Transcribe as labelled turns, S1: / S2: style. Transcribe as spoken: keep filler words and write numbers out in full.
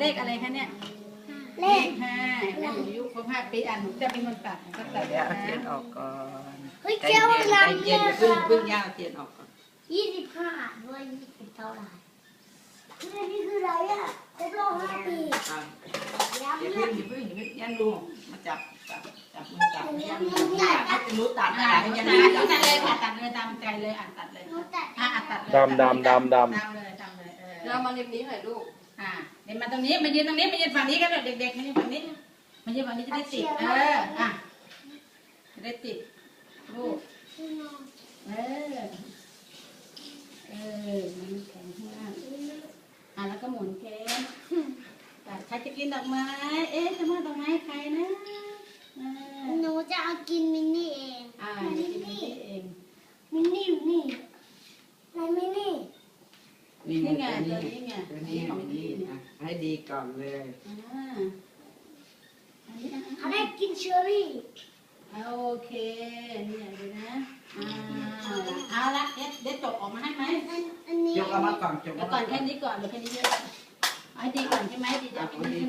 S1: ขอะไรคะเนี่ยเลขห้าแล้วหนูยุคครบห้าปีอ่านหนูจะเป็นคนตัดก็ตัด
S2: เดี๋ยวเอาเทียนออกก่อน
S3: เฮ้ย
S2: ใจ
S3: เจ้า
S2: เย็นใจ
S3: ลำ
S2: เย็นอย่าเพิ่งเพิ่งย่าเอาเทียนออกก่อน
S3: ยี่สิบห้าด้วยยี่สิบเท่าไหร่นี่คืออะไรอ่ะครบรอบห้าปี
S2: อ่ะ
S3: ย้ำ
S2: อย่า
S3: เล
S2: เพิ่
S3: ย
S2: งอย่าเพิ่งอย่าเพิ่งยันดูมาจับจับจับมือจับยันดูให้เป็นรู้ตัด
S1: อ่า
S2: อะไร
S1: ตั
S2: ยั
S1: ด
S2: น
S1: เล
S2: รู้
S1: ย
S2: จับ
S1: ตัดเลยค่ะตัดเลยตามใจเลยอ่านตัดเลย
S3: หนูตัด
S1: อ่าตัดเลย
S4: ดำดำดำดำ
S1: ดำเลยดำเลยเออ
S5: เรามาริมนี้หน่อยลูก
S1: อ่าเดี๋ยวมาตรงนี้มายืนตรงนี้มายืนฝั่งนี้กันเด็กๆมายืนฝั่งนี้มายืนฝั่งนี้จะได้ติดเอออ่ะจะได้ติดลูกเออเออมันแข็งข้างล่างอ่ะแล้วก็หมุนแก้มแต่ใครจะกินดอกไม้เอ๊ะจะมาดอกไม้ใครนะอ่า
S3: หนูจะเอากินมินนี่เอง
S1: อ่าจะกินนี่เอง
S3: มินนี่อยู่นี่ไหนมินนี่
S2: นี่
S1: นี่ไง
S2: ไง
S1: ตั
S2: ตัว ว
S1: นี้
S2: นี้
S1: ไง
S2: ตัวนี้ของนี่อ่ะให้ดีก่อนเลย
S1: อ่าอันนี้อ่ะ
S3: เขาได้กินเชอร์รี่
S1: เอาโอเคเนี่ยดูนะอ่าเอาละเด็ดเด็ดจบออกมาให้ไหม
S3: อันอันนี้
S2: ยกเอามาก่อนยก
S1: เดี๋ย
S2: เอา
S1: วก่
S2: มา
S1: อน
S2: ก่
S1: แค่
S2: อน
S1: นี้ก่อนเดี๋ยวแค่นี้เยอะเอาให้ดีก่อนใช่ไหมดีจะ
S2: เอา
S1: กิ
S2: คน
S1: น
S2: ดี